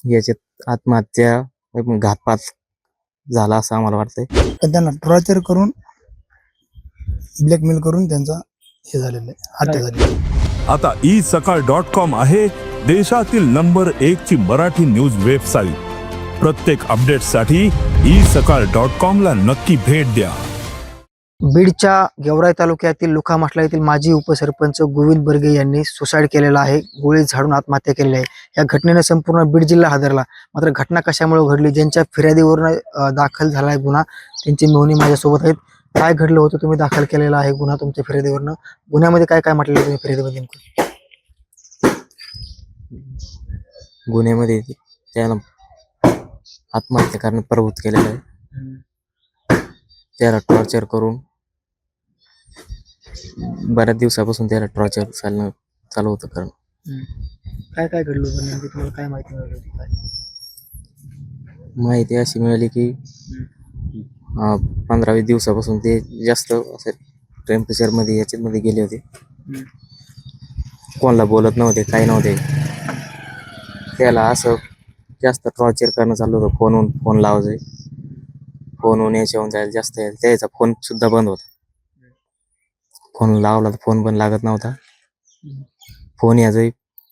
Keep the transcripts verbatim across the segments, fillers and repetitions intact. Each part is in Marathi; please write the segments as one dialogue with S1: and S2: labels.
S1: याच्यात आत्महत्या घातपात झाला असं आम्हाला वाटतंय.
S2: पण त्यांना टॉर्चर करून ब्लॅकमेल करून त्यांचा हे झालेलं आहे, हत्या झालेली आहे.
S3: आता ई सकाळ डॉट कॉम आहे देशातील नंबर एक ची मराठी न्यूज वेबसाईट. प्रत्येक अपडेटसाठी ई सकाळ डॉट कॉम ला नक्की भेट द्या.
S4: बीडच्या गेवराई तालुक्यातील लुखामासला येथील माजी उपसरपंच गोविंद बर्गे यांनी सुसाईड केलेला आहे. गोळी झाडून आत्महत्या केलेली आहे. या घटनेने संपूर्ण बीड जिल्हा हादरला. मात्र घटना कशामुळे घडली, ज्यांच्या फिर्यादीवरून दाखल झाला आहे गुन्हा, त्यांची मेहुणी माझ्यासोबत आहेत. काय घडलं होतं, तुम्ही दाखल केलेला आहे गुन्हा तुमच्या फिर्यादीवरनं, गुन्ह्यामध्ये काय काय म्हटलेलं तुम्ही फिर्यादीमध्ये नेमकं?
S1: गुन्ह्यामध्ये त्याला आत्महत्या करण्यात प्रवृत्त केलेलं आहे. त्याला टॉर्चर करून बऱ्याच दिवसापासून त्याला टॉर्चर चालणं चालू होतं. कारण
S4: काय काय घडलं होतं नेमकं, तुम्हाला काय माहिती मिळाली होती? काय
S1: माहिती अशी मिळाली की पंधरा वीस दिवसापासून ते जास्त असं टेम्परेचरमध्ये याच्यामध्ये गेले होते. कोणाला बोलत नव्हते, काही नव्हते. त्याला असं जास्त टॉर्चर करणं चालू होतं. फोनहून फोन लावायचे, फोनहून याच्याहून जायला जास्त त्याचा फोन सुद्धा बंद होता. फोन लावला तर फोन पण लागत नव्हता. फोन यायचा.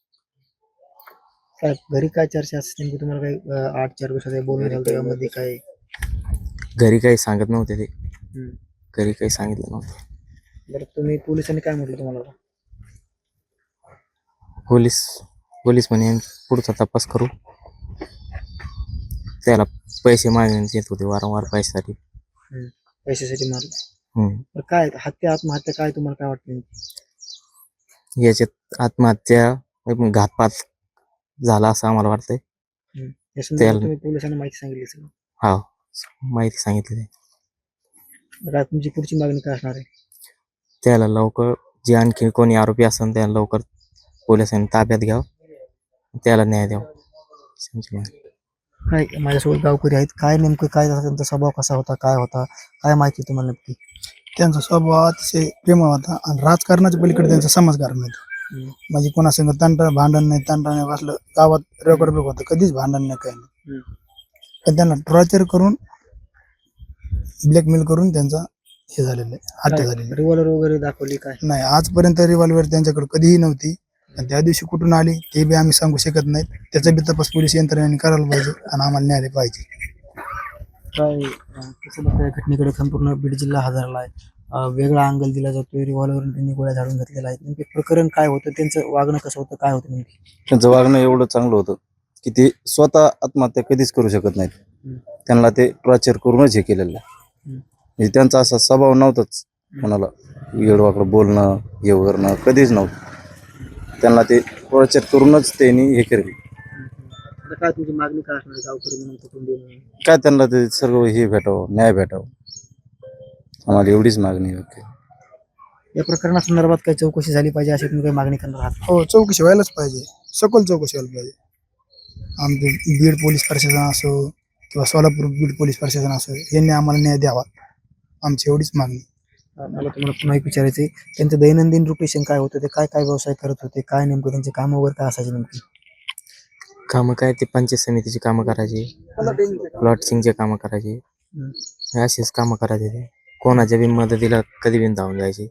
S4: काय घरी काय चर्चा असते नेमकी, तुम्हाला काही आठ चार दिवसात बोलणं झालं त्यामध्ये काय?
S1: घरी काही सांगत नव्हते ते, घरी काही सांगितलं नव्हतं.
S4: बरं, तुम्ही पोलिसांनी काय म्हटलं तुम्हाला?
S1: पोलीस पोलीस म्हणे पुढचा तपास करू. त्याला पैसे मागण्यात येत होते वारंवार पैशासाठी.
S4: पैशासाठी मारलं.
S1: हम्म
S4: काय हत्या आत्महत्या काय तुम्हाला काय वाटतं?
S1: याच्यात आत्महत्या घातपात झाला असं आम्हाला वाटतंय.
S4: या संदर्भात तुम्ही पोलिसांना माहिती सांगितली असेल?
S1: हा, माहिती सांगितली.
S4: काय तुमची पुढची मागणी काय असणार आहे?
S1: त्याला लवकर जे आणखी कोणी आरोपी असेल त्याला लवकर पोलिसांनी ताब्यात घ्यावं, त्याला न्याय द्यावा.
S4: काय माझ्यासोबत गावकरी आहेत, काय नेमकं काय झालं, त्यांचा स्वभाव कसा होता, काय होता, काय माहिती तुम्हाला नक्की?
S2: त्यांचा स्वभाव अतिशय प्रेमळ होता आणि राजकारणाच्या पलीकडे त्यांचा समाजकारण होतं. म्हणजे कोणासंग तंटा भांडण नाही, तंटा नाही असलं गावात रेकॉर्ड होतं, कधीच भांडण नाही, काही नाही. पण त्यांना टॉर्चर करून ब्लॅकमेल करून त्यांचा हे झालेलं आहे, हत्या झालेली.
S4: रिव्हॉल्वर वगैरे दाखवली काय?
S2: नाही, आजपर्यंत रिव्हॉल्वर त्यांच्याकडे कधीही नव्हती. आणि त्या दिवशी कुठून आली ते बी आम्ही सांगू शकत नाही. त्याचा बी तपास पोलीस यंत्रणेने करायला पाहिजे आणि आम्हाला न्यायालय पाहिजे.
S4: काय कसं बघता या घटनेकडे संपूर्ण बीड जिल्हा हादरला आहे. वेगळा अंगल दिला जातोय, रिव्हॉल्वरून त्यांनी गोळ्या झाडून घेतलेला आहे. नेमके प्रकरण काय होतं, त्यांचं वागणं कसं होतं, काय होतं नेमकी?
S5: त्यांचं वागणं एवढं चांगलं होतं की ते स्वतः आत्महत्या कधीच करू शकत नाहीत. त्यांना ते टॉर्चर करूनच हे केलेलं आहे. म्हणजे त्यांचा असा स्वभाव नव्हताच कोणाला वेडवाकडं बोलणं हे करणं कधीच नव्हतं. त्यांना ते टॉर्चर करूनच त्यांनी हे केलं.
S4: काय तुमची मागणी काय असणार गावकरी म्हणून, कुटुंबीय म्हणून?
S5: काय त्यांना ते सर्व हे भेटावं, न्याय भेटावं, आम्हाला एवढीच मागणी आहे.
S4: या प्रकरणासंदर्भात काही चौकशी झाली पाहिजे अशी तुम्ही काही मागणी करणार आहात?
S2: हो, चौकशी व्हायलाच पाहिजे, सखोल चौकशी व्हायला पाहिजे. आमचे बीड पोलीस प्रशासन असो किंवा सोलापूर बीड पोलीस प्रशासन असो, यांनी आम्हाला न्याय द्यावा, आमची एवढीच मागणी.
S4: मला तुम्हाला पुन्हा एक विचारायचं आहे, त्यांचं दैनंदिन रुटेशन काय होतं, ते काय काय व्यवसाय करत होते, काय नेमकं त्यांचे कामं वगैरे काय असायचे नेमकी?
S1: कामं काय, ते पंचायत समितीची कामं करायची, प्लॉटिंगचे कामं करायचे, अशीच कामं करायचे. ते कोणाच्या बी मदतीला कधी बी धावून जायचे.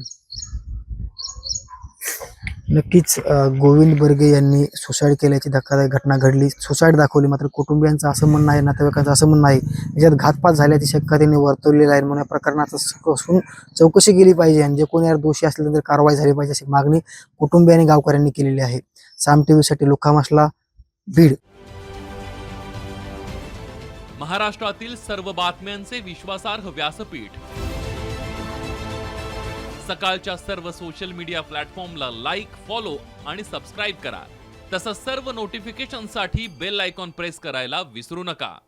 S4: नक्कीच गोविंद बर्गे यांनी सुसाईड केल्याची धक्कादायक घटना घडली. सुसाईड दाखवली, मात्र कुटुंबियांचं असं म्हणणं आहे, नातेवाईकांचं असं म्हणणं आहे याच्यात घातपात झाल्याची शक्यता त्यांनी वर्तवलेली आहे. म्हणून या प्रकरणाचं चौकशी केली पाहिजे आणि जे कोणी यार दोषी असले तर कारवाई झाली पाहिजे अशी मागणी कुटुंबियांनी गावकऱ्यांनी केलेली आहे. साम टीव्हीसाठी लुखामासला, बीड.
S6: महाराष्ट्रातील सर्व बातम्यांचे विश्वासार्ह व्यासपीठ. सकाळच्या सर्व सोशल मीडिया प्लॅटफॉर्मला लाईक, फॉलो आणि सबस्क्राईब करा. तसंच सर्व नोटिफिकेशनसाठी बेल आयकॉन प्रेस करायला विसरू नका.